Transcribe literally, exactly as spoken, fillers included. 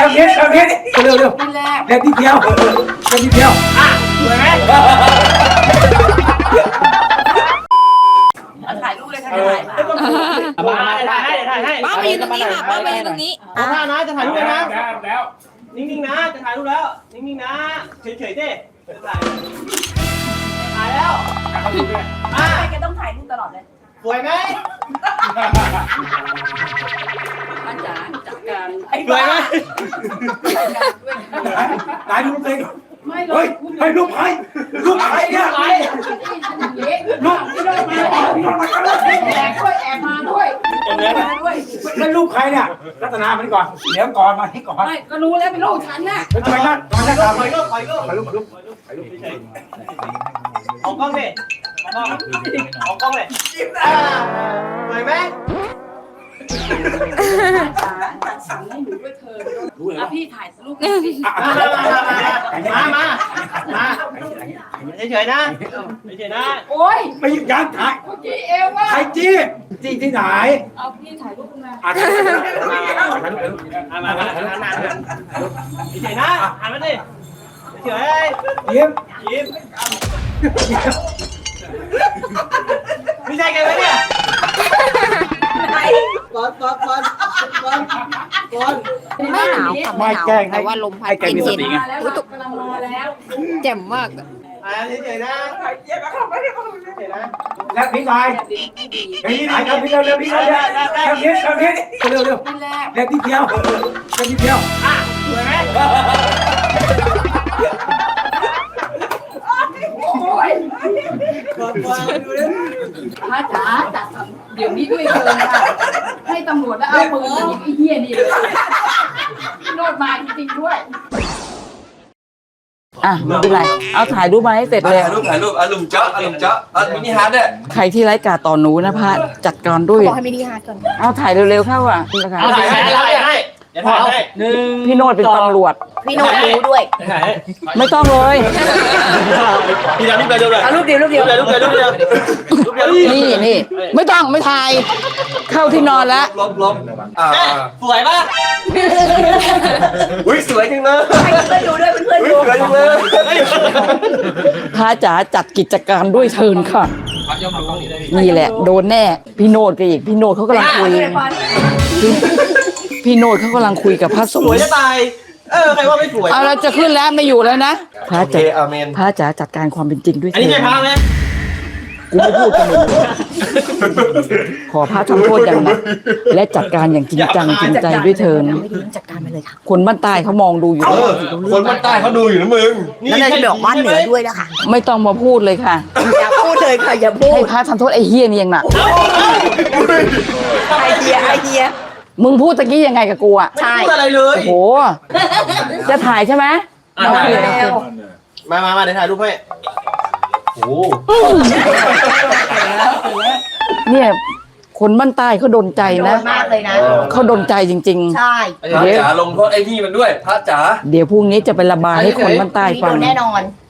ำนี้ทำนี้เร็วเร็วนั่นแหละเร็วนิดเดียวเร็วนิดเดียวอ่ะสวยไหมถ่ายรูปเลยค่ะถ่ายมามาถ่ายให้ถ่ายให้ป้ามายืนตรงนี้ค่ะป้ามายืนตรงนี้ขอท่านะจะถ่ายรูปนะแล้วนิ่งๆนะจะถ่ายรูปแล้วนิ่งๆนะเฉยๆดิถ่ายถ่ายแล้วอ่ะทำไมแกต้องถ่ายรูปตลอดเลยสวยไหมป้าจ๋าจัดการสวยไหมนายดูเพลงไม่เลเฮ้ยยให้ลูกใครลูกใครเนี่ยไหนลูกแอบด้วยแอบมาด้วยแอบมาด้วยนั่นลูกใครเนี่ยรัตนามันก่อนเดี๋ยวก่อนมาให้ก่อนไม่ก็รู้แล้วเป็นลูกฉันน่ะทำไมนั่นทำไมนั่นถทำอยก็ถอยก็ถ่ายรูปถ่ายรูปเอากล้องดิเอากล้องเอากล้องเลยสวยไหมจ๋าจัดสรรให้หนูด้วยเธออ่ะพี่ถ่ายรูปสิมามามามามาเฉยๆนะเฉยๆนะโอ้ยไม่ยังถ่ายเมื่อกี้เอวว่าถ่ายจี้จี้ที่ไหนเอาพี่ถ่ายรูปมาอ่ะถ่ายรูปถ่ายรูปถ่ายรูปมามามามาเฉยๆนะหันมาดิเฉยยิ้มๆยิ้มไม่ใช่กันไหมเนี่ยก่อนก่อนก่อนก่อนก่อนไม่หนาวค่ะไม่หนาวแต่ว่าลมพัดเย็นมาแล้วกำลังมาแล้วๆแจ่มมากอ่าเฉยๆนะเฉยๆนะแล้วพี่นายไอ้นี่ไหนครับพี่เร็วเร็วพี่เร็วเร็วทำนี้ทำนี้เร็วเร็วนั่นแหละเร็วนิดเดียวเร็วนิดเดียวอ่ะสวยไหมโอ้ยก่อนก่อนดูดิพระจ๋าจัดสรรเดี๋ยวนี้ด้วยเธอค่ะให้ตำรวจแล้วเอาปืนยิงไอ้เหี้ยนี่เลยโนดมาจริงๆด้วยอ่ะไม่เป็นไร เอาถ่ายรูปมาให้เสร็จเลยถ่ายรูปถ่ายรูปอารมณ์เจาะอารมณ์เจาะอ่ะมินิฮาร์ดเนี่ยใครที่ไร้กาต่อหนูนะพระจัดการด้วยบอกให้มินิฮาร์ดก่อนเอาถ่ายเร็วๆเข้าอ่ะนี่นะคะเอาถ่ายให้ถ่ายให้เดี๋ยวถ่ายให้หนึ่งพี่โนดเป็นตำรวจพี่โน้ตรู้ด้วยถ่ายให้ไม่ต้องเลยพี่ดาวนี่ไปเร็วเลยเอารูปเดียวรูปเดียวรูปเดียวรูปเดียวรูปเดียวรูปเดียวนี่นี่ไม่ต้องไม่ถ่าย เข้าที่นอนแล้วลบลบอ่าสวยป่ะอุ้ยสวยจังเลยให้เพื่อนดูด้วยเพื่อนอุ้ๆยดูสวยจังเลยพระจ๋าจัดกิจการด้วยเทินค่ะ นี่แหละ โดนแน่ พี่โนดก็อีก พี่โนดเขากำลังคุย พี่พี่โนดเขากำลังคุยกับพระสสงวยฆ์จะตายเออใครว่าไม่สวยเอาเราจะขึ้นแล้วไม่อยู่แล้วนะพระโอเคจ๋าอาเมนพระจ๋าจัดการความเป็นจริงด้วยอันนี้เถิใช่นพาไหมกูไม่พูดกันเลยขอพระทำโทษอย่างหนักและจัดการอย่างจริงจังจริงใจด้วยเถินไม่ดีจัดการไปเลยค่ะคนบ้านใต้เขามองดูอยู่เออคนบ้านใต้เขาดูอยู่นะมึงแล้วเราจะบอกบ้านเหนือด้วยนะคะไม่ต้องมาพูดเลยค่ะอย่าพูดเลยค่ะอย่าพูให้ดพระทำโทษไอ้เฮียนี่ยังหนักไอเดียไอเดียมึงพูดตะกี้ยังไงกับกูอ่ะใช่พูดอะไรเลยโอ้โหจะถ่ายใช่ไหมอ่ะถ่ายโอเคแล้วมามามาเดี๋ยวถ่ายรูปให้โอ้เนี่ยคนบ้านใต้เขาโดนใจโดนะนมากเลยนะเขาโดนใจจริงใช่พระจ๋าลงโทษไอ้นี่มันด้วยพระจ๋าๆ เดี๋ยวพรุ่งนี้จะไประบายให้คนบ้านใต้นี่ฟัโดงนแน่นอน